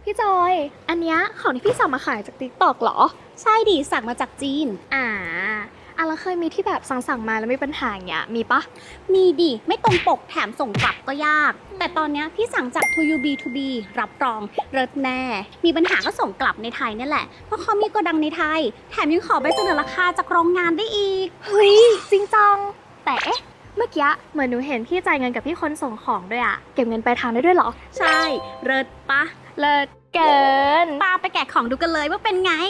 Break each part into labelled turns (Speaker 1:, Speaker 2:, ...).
Speaker 1: พี่จอย อันเนี้ยของที่พี่สั่งมาขายจาก TikTok เหรอ
Speaker 2: ใช่ดิสั่งมาจากจีน
Speaker 1: แล้วเคยมีที่แบบสั่งมาแล้วมีปัญหาอย่างเงี้ยมีปะ
Speaker 2: มีดิไม่ตรงปกแถมส่งกลับก็ยาก แต่ตอนเนี้ยพี่สั่งจาก To You B2B รับรองเลิศแน่มีปัญหาก็ส่งกลับในไทยนี่แหละเพราะเขามีโกดังในไทยแถมยังขอใบเสนอราคาจากโรงงานได้อีก
Speaker 1: เฮ้ยจริงจังแต่เอ๊ะเมื่อกี้เหมือนหนูเห็นพี่จ่ายเงินกับพี่คนส่งของด้วยอะเก็บเงินปลายทางได้ด้วยเหรอ
Speaker 2: ใช่เลิศปะ
Speaker 1: เลิศเกิน
Speaker 2: ปาไปแกะของดูกันเลยว่าเป็นไง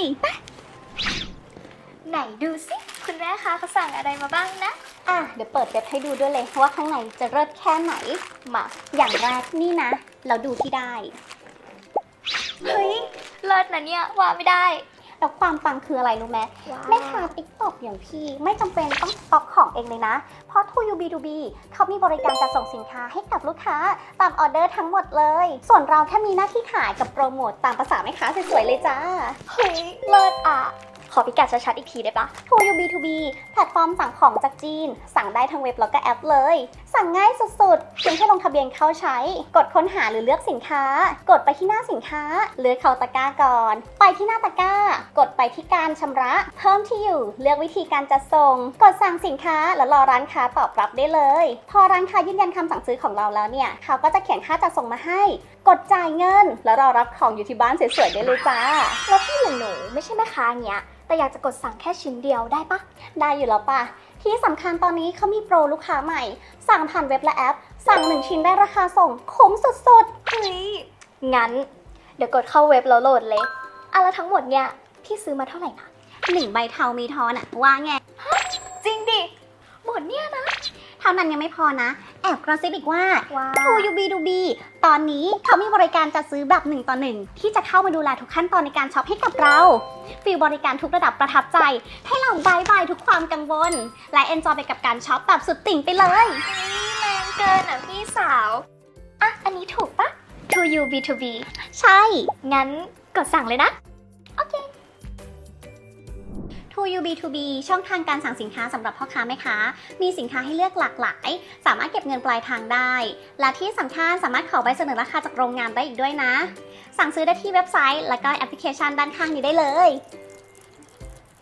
Speaker 1: ไหนดูสิคุณแม่คะเขาสั่งอะไรมาบ้างนะ
Speaker 2: เดี๋ยวเปิดเว็บให้ดูด้วยเลยว่าข้างในจะเลิศแค่ไหนมาอย่างแรกนี่นะเราดูที่ได้
Speaker 1: เฮ้ยเลิศนะเนี่ยว่าไม่ได้
Speaker 2: แล้วความปังคืออะไรรู้ไหมแม่ค้าติ๊กต็อกอย่างพี่ไม่จำเป็นต้องสต็อกของเองเลยนะเพราะ To You B2B เขามีบริการจัดส่งสินค้าให้กับลูกค้าตามออเดอร์ทั้งหมดเลยส่วนเราแค่มีหน้าที่ขายกับโปรโมทตามภาษาแม่ค้าสวยๆเลยจ้า
Speaker 1: เฮ้ยเลิศขอพิกัดชัดๆอีกทีได้ปะ
Speaker 2: To You B2B แพลตฟอร์มสั่งของจากจีนสั่งได้ทั้งเว็บแล้วก็แอปเลยสั่งง่ายสุดๆเพียงแค่ลงทะเบียนเข้าใช้กดค้นหาหรือเลือกสินค้ากดไปที่หน้าสินค้าเลือกเข้าตะกร้าก่อนไปที่หน้าตะกร้ากดไปที่การชำระเพิ่มที่อยู่เลือกวิธีการจัดส่งกดสั่งสินค้าแล้วรอร้านค้าตอบรับได้เลยพอร้านค้ายืนยันคำสั่งซื้อของเราแล้วเนี่ยเขาก็จะเขียนค่าจัดส่งมาให้กดจ่ายเงินแล้วรอรับของอยู่ที่บ้านสวยๆได้เลยจ้า
Speaker 1: แล้วพี่อย่างหนูไม่ใช่แม่ค้าเงี้ยแต่อยากจะกดสั่งแค่ชิ้นเดียวได้ปะ
Speaker 2: ได้อยู่แล้วป่ะที่สำคัญตอนนี้เขามีโปรลูกค้าใหม่สั่งผ่านเว็บและแอปสั่ง1ชิ้นได้ราคาส่งคุ้มสุด
Speaker 1: ๆเฮ้ยงั้นเดี๋ยวกดเข้าเว็บแล้วโหลดเลยแล้วทั้งหมดเนี่ยพี่ซื้อมาเท่าไหร่นะ
Speaker 2: 1ใบเทามีทอนว่าไง
Speaker 1: จริงดิหมดเนี่ยนะ
Speaker 2: เท่านั้นยังไม่พอนะแอบกระซิบอีกว่า To You B2B ตอนนี้เขามีบริการจัดซื้อแบบ1 ต่อ 1ที่จะเข้ามาดูแลทุกขั้นตอนในการช็อปให้กับเราฟีลบริการทุกระดับประทับใจให้เราบายทุกความกังวลและเอนจอยไปกับการช็อปแบบสุดติ่งไปเลย
Speaker 1: แรงเกินพี่สาวอันนี้ถูกปะ To You B2B
Speaker 2: ใช่
Speaker 1: งั้นกดสั่งเลยนะโอเค
Speaker 2: To You B2B ช่องทางการสั่งสินค้าสำหรับพ่อค้าแม่ค้ามีสินค้าให้เลือกหลากหลายสามารถเก็บเงินปลายทางได้และที่สำคัญสามารถขอใบเสนอราคาจากโรงงานได้อีกด้วยนะสั่งซื้อได้ที่เว็บไซต์และก็แอปพลิเคชันด้านข้างนี้ได้เลย